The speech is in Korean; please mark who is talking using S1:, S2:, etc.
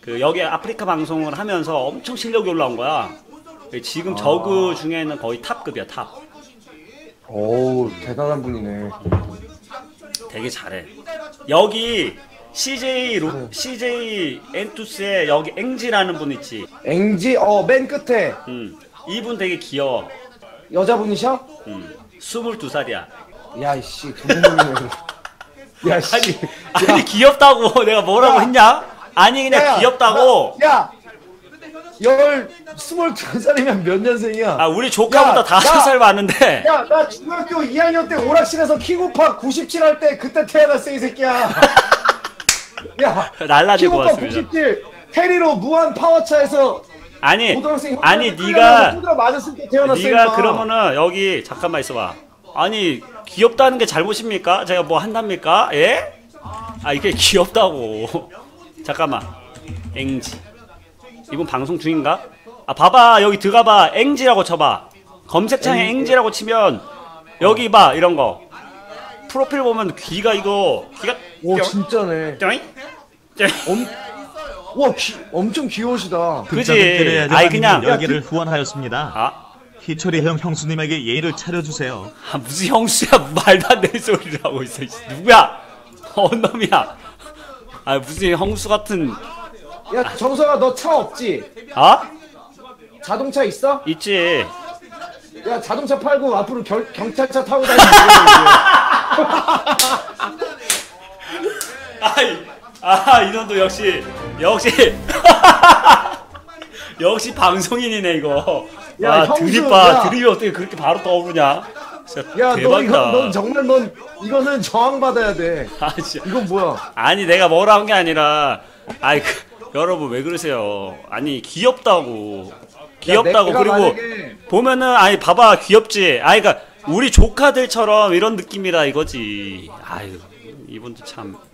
S1: 그 여기 아프리카 방송을 하면서 엄청 실력이 올라온 거야. 지금 저그 중에는 거의 탑급이야, 탑.
S2: 오, 대단한 분이네.
S1: 되게 잘해. 여기 CJ 엔투스에 여기 앵지라는 분 있지.
S2: 앵지, 맨 끝에.
S1: 이분 되게 귀여워.
S2: 여자분이셔?
S1: 22살이야.
S2: 야, 이씨, 도둑놈이네. 야, 씨.
S1: 아니 귀엽다고 내가 뭐라고 했냐? 아니 그냥 귀엽다고.
S2: 야! 22살이면 몇 년생이야?
S1: 아 우리 조카보다 5살 많은데.
S2: 야, 나 중학교 2학년 때 오락실에서 킥오파 97 할 때 그때 태어났어, 이 새끼야. 야,
S1: 날라지고
S2: 킥오파
S1: 왔습니다.
S2: 97 테리로 무한 파워차에서
S1: 아니
S2: 고등학생
S1: 네가
S2: 맞았을 때 태어났어.
S1: 네가
S2: 임마.
S1: 그러면은 여기 잠깐만 있어봐. 아니 귀엽다는 게 잘못입니까? 제가 뭐 한답니까? 예? 아 이게 귀엽다고. 잠깐만. 앵지. 이분 방송 중인가? 아 봐봐 여기 들어가봐. 앵지라고 쳐봐. 검색창에 앵지라고 치면 여기 봐 이런 거. 프로필 보면 귀가 귀가
S2: 오, 진짜네.
S1: 쩌잉?
S2: 와, 엄청 귀여우시다.
S1: 그지? 아이 그냥
S3: 여기를 후원하였습니다.
S1: 아?
S3: 희철이 형 형수님에게 예의를 차려주세요.
S1: 아 무슨 형수야. 말도 안 되는 소리를 하고 있어. 누구야? 놈이야. 아 무슨 형수 같은.
S2: 야, 정석아, 너 차 없지?
S1: 아?
S2: 자동차 있어?
S1: 있지.
S2: 야, 자동차 팔고 앞으로 경찰차 타고 다니는
S1: 아이, 이놈도 역시 역시 방송인이네 이거.
S2: 야,
S1: 와,
S2: 형수,
S1: 드립이 어떻게 그렇게 바로 떠오르냐? 진짜
S2: 야,
S1: 대박이다.
S2: 넌 정말 이거는 저항받아야 돼.
S1: 아, 진짜.
S2: 이건 뭐야?
S1: 아니 내가 뭐라 한 게 아니라, 여러분 왜 그러세요? 아니 귀엽다고.
S2: 내가
S1: 그리고
S2: 만약에
S1: 보면은 아니 봐봐 귀엽지. 그러니까 우리 조카들처럼 이런 느낌이라 이거지. 아유 이분도 참.